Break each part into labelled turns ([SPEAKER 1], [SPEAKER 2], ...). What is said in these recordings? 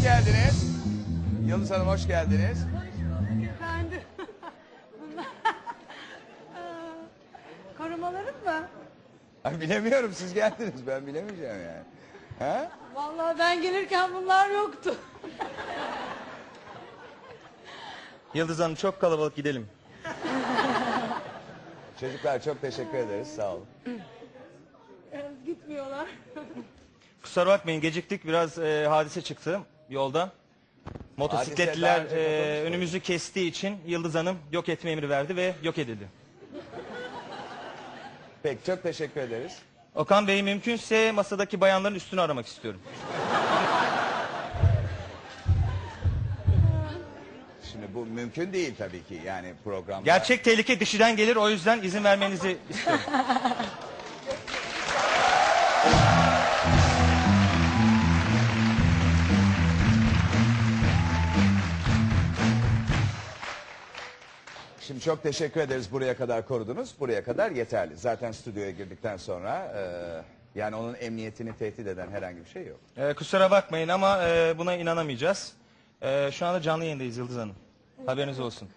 [SPEAKER 1] geldiniz. Yıldız Hanım hoş geldiniz.
[SPEAKER 2] Efendim. Bunlar korumalarım mı?
[SPEAKER 1] Ay, bilemiyorum, siz geldiniz, ben bilemeyeceğim yani. Ha?
[SPEAKER 2] Vallahi ben gelirken bunlar yoktu.
[SPEAKER 3] Yıldız Hanım çok kalabalık, gidelim.
[SPEAKER 1] Çocuklar çok teşekkür ederiz, sağ olun.
[SPEAKER 2] Gitmiyorlar.
[SPEAKER 3] Kusura bakmayın, geciktik, biraz hadise çıktı yolda. Motosikletliler
[SPEAKER 1] Hadise daha önce konuştuk.
[SPEAKER 3] önümüzü kestiği için Yıldız Hanım yok etme emri verdi ve yok edildi.
[SPEAKER 1] Peki, çok teşekkür ederiz.
[SPEAKER 3] Okan Bey, mümkünse masadaki bayanların üstünü aramak istiyorum.
[SPEAKER 1] Şimdi bu mümkün değil tabii ki, yani programda.
[SPEAKER 3] Gerçek tehlike dışarıdan gelir, o yüzden izin vermenizi istiyorum.
[SPEAKER 1] Şimdi çok teşekkür ederiz, buraya kadar korudunuz. Buraya kadar yeterli. Zaten stüdyoya girdikten sonra yani onun emniyetini tehdit eden herhangi bir şey yok.
[SPEAKER 3] Kusura bakmayın ama buna inanamayacağız. Şu anda canlı yayındayız Yıldız Hanım. Haberiniz olsun.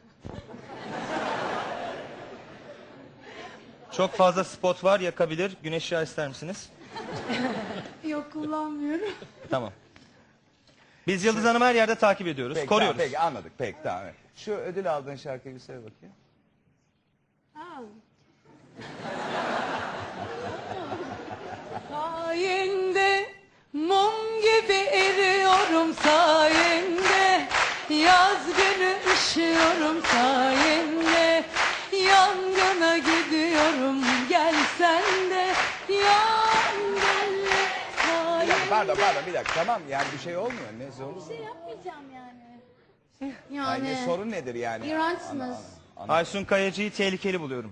[SPEAKER 3] Çok fazla spot var, yakabilir. Güneş yağı ister misiniz?
[SPEAKER 2] Yok, kullanmıyorum.
[SPEAKER 3] Tamam. Biz Yıldız Hanım'ı her yerde takip ediyoruz,
[SPEAKER 1] Peki,
[SPEAKER 3] koruyoruz.
[SPEAKER 1] Tamam, peki anladık, peki tamam. Şu ödül aldığın şarkıyı bir söyle bakayım.
[SPEAKER 2] Ha. Sayende mum gibi eriyorum, sayende yaz günü üşüyorum, sayende yangına gidiyorum, gel sen de yangına sayende.
[SPEAKER 1] Pardon bir dakika, tamam yani bir şey olmuyor, ne sorun?
[SPEAKER 4] Bir şey yapmayacağım yani.
[SPEAKER 1] Yani
[SPEAKER 4] Yani
[SPEAKER 1] sorun nedir yani?
[SPEAKER 4] iğrençsiniz.
[SPEAKER 3] Aysun Kayacı'yı tehlikeli buluyorum.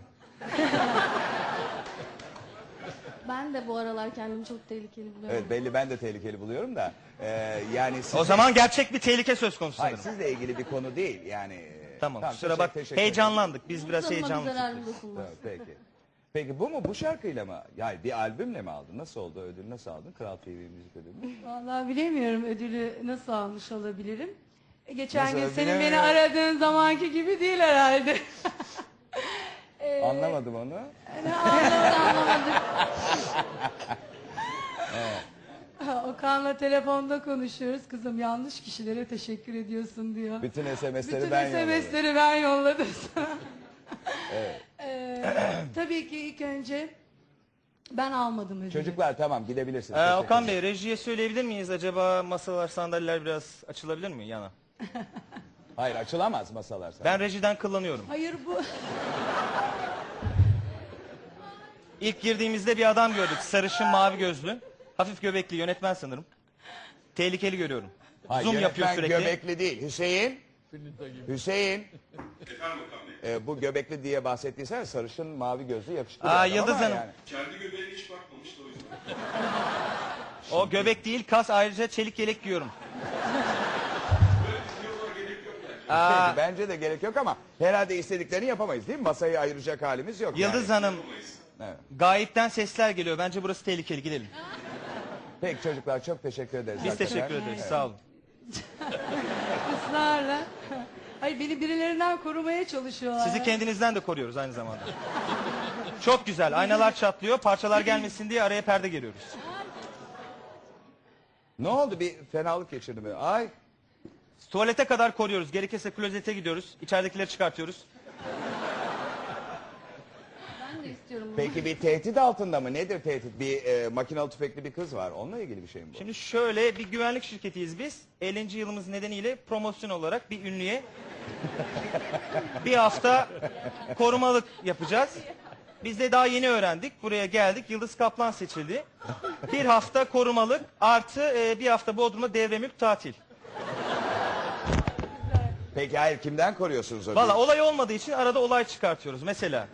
[SPEAKER 4] Ben de bu aralar kendimi çok tehlikeli buluyorum.
[SPEAKER 1] Evet, belli, ben de tehlikeli buluyorum da yani
[SPEAKER 3] O zaman gerçek bir tehlike söz konusu
[SPEAKER 1] hayır,
[SPEAKER 3] sanırım.
[SPEAKER 1] sizle ilgili bir konu değil yani.
[SPEAKER 3] Tamam, kusura
[SPEAKER 1] teşekkür-
[SPEAKER 3] bak.
[SPEAKER 1] teşekkür
[SPEAKER 3] Heyecanlandık. Biz biraz
[SPEAKER 4] Canıma bir
[SPEAKER 3] heyecanlıyız.
[SPEAKER 4] zararı dokunmaz.
[SPEAKER 1] ederim. Peki. Peki bu mu, bu şarkıyla mı? Yani bir albümle mi aldın? Nasıl oldu, ödül nasıl aldın? Kral TV müzik ödülünü.
[SPEAKER 2] Vallahi bilemiyorum ödülü nasıl almış olabilirim. Geçen
[SPEAKER 1] Nasıl,
[SPEAKER 2] gün senin beni
[SPEAKER 1] bilemiyorum.
[SPEAKER 2] aradığın zamanki gibi değil herhalde.
[SPEAKER 1] Anlamadım onu.
[SPEAKER 4] Anlamadım.
[SPEAKER 2] Okan'la telefonda konuşuyoruz. Kızım yanlış kişilere teşekkür ediyorsun diyor.
[SPEAKER 1] Bütün SMS'leri
[SPEAKER 2] Bütün
[SPEAKER 1] ben yolladım.
[SPEAKER 2] SMS'leri ben yolladım sana.
[SPEAKER 1] Evet.
[SPEAKER 2] Tabii ki ilk önce ben almadım ödülü.
[SPEAKER 1] Çocuklar tamam, gidebilirsiniz. Teşekkür
[SPEAKER 3] Okan
[SPEAKER 1] ederim.
[SPEAKER 3] Bey, rejiye söyleyebilir miyiz? Acaba masalar, sandalyeler biraz açılabilir mi yana?
[SPEAKER 1] Hayır, açılamaz masalar sana.
[SPEAKER 3] Ben rejiden kullanıyorum.
[SPEAKER 2] Hayır bu
[SPEAKER 3] İlk girdiğimizde bir adam gördük. Sarışın, mavi gözlü. Hafif göbekli, yönetmen sanırım. Tehlikeli görüyorum.
[SPEAKER 1] Hayır,
[SPEAKER 3] Zoom yapıyor
[SPEAKER 1] yönetmen
[SPEAKER 3] sürekli.
[SPEAKER 1] göbekli değil. Hüseyin. Hüseyin. Bu göbekli diye bahsettiysen sarışın, mavi gözlü, yakışıklı bir adam
[SPEAKER 3] Yıldız
[SPEAKER 1] ama
[SPEAKER 3] Hanım.
[SPEAKER 1] yani.
[SPEAKER 5] Kendi göbeğine hiç bakmamıştı o yüzden.
[SPEAKER 3] O göbek değil, kas, ayrıca çelik yelek giyiyorum.
[SPEAKER 1] Peki, bence de gerek yok ama herhalde istediklerini yapamayız değil mi? Masayı ayıracak halimiz yok.
[SPEAKER 3] Yıldız
[SPEAKER 1] yani.
[SPEAKER 3] Hanım,
[SPEAKER 1] Evet.
[SPEAKER 3] gayipten sesler geliyor. Bence burası tehlikeli, gidelim.
[SPEAKER 1] Peki çocuklar, çok teşekkür ederiz.
[SPEAKER 3] Biz
[SPEAKER 1] hakikaten.
[SPEAKER 3] teşekkür ederiz, sağ olun.
[SPEAKER 2] ısrarla. Hayır, beni birilerinden korumaya çalışıyorlar.
[SPEAKER 3] Sizi kendinizden de koruyoruz aynı zamanda. Çok güzel, aynalar çatlıyor, parçalar gelmesin diye araya perde geriyoruz.
[SPEAKER 1] Ne oldu, bir fenalık geçirdi mi? Ay.
[SPEAKER 3] Tuvalete kadar koruyoruz, gerekirse klozete gidiyoruz, içeridekileri çıkartıyoruz.
[SPEAKER 4] Ben de istiyorum bunu.
[SPEAKER 1] Peki bir tehdit altında mı? Nedir tehdit? Bir makinalı tüfekli bir kız var. Onunla ilgili bir şey mi bu?
[SPEAKER 3] Şimdi şöyle, bir güvenlik şirketiyiz biz. 50. yılımız nedeniyle promosyon olarak bir ünlüye bir hafta korumalık yapacağız. Biz de daha yeni öğrendik. Buraya geldik. Yıldız Kaplan seçildi. Bir hafta korumalık artı bir hafta Bodrum'da devre mülk tatil.
[SPEAKER 1] Peki hayır, kimden koruyorsunuz o
[SPEAKER 3] Valla
[SPEAKER 1] gün?
[SPEAKER 3] olay olmadığı için arada olay çıkartıyoruz mesela.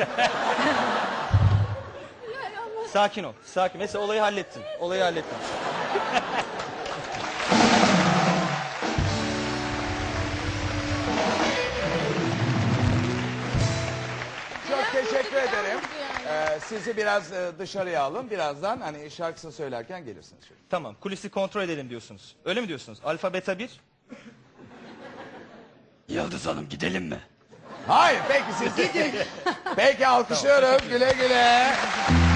[SPEAKER 3] Sakin ol. Sakin. Mesela olayı hallettin. Olayı hallettin.
[SPEAKER 1] Çok teşekkür ederim.
[SPEAKER 4] Yani.
[SPEAKER 1] Sizi biraz dışarıya alın. Birazdan hani şarkısını söylerken gelirsiniz. Şöyle.
[SPEAKER 3] Tamam, kulisi kontrol edelim diyorsunuz. Öyle mi diyorsunuz? Alfa, beta 1.
[SPEAKER 6] Yıldız Hanım gidelim mi?
[SPEAKER 1] Hayır peki siz. Peki alkışlıyorum. Güle güle.